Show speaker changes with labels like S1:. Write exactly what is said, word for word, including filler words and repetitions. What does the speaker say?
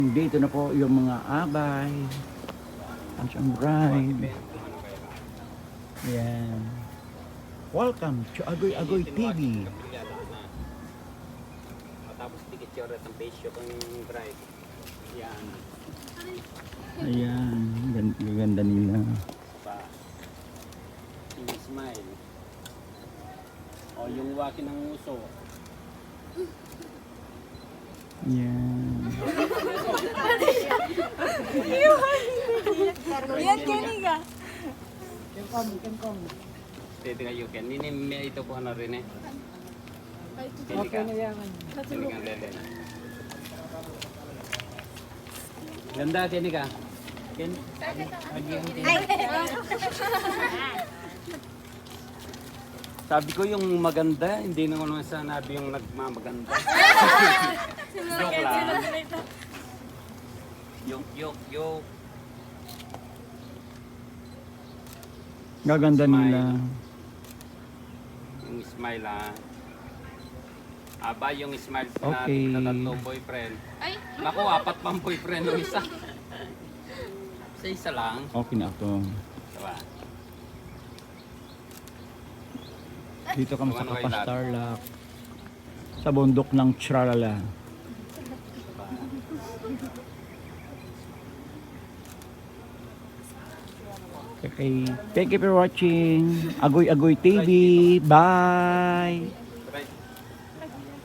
S1: Dito na po yung mga abay. Ang siyang bride. Yan. Welcome to Agoy Agoy T V.
S2: Tapos dikit yung ret ang face yung bride. Yan.
S1: Ayan. Ganda, ganda nila.
S2: Pa. Yung smile. O yung waki ng uso.
S1: Yan.
S3: Yan kaniga.
S4: Kengkong, kengkong.
S2: Dito nga yukin. Nini may ito po na rin eh.
S4: Okay na yan.
S2: Kinigang dede. Ganda kiniga. Kin. Sabi ko yung maganda, hindi naman naman sanabi yung nagmamaganda. Joke lang. Yok, yok, yok.
S1: Gaganda
S2: Smile.
S1: nila.
S2: Yung smile ah. Aba yung smile
S1: Okay.
S2: na tatlong boyfriend. Naku, apat pang boyfriend ng isa. Sa isa lang.
S1: Okay na ako.
S2: Diba?
S1: Dito kami sa
S2: Ano kayo lahat?
S1: Kapastarlak. Sa bundok ng Tralala. Okay. Thank you for watching Agoy Agoy T V. Bye!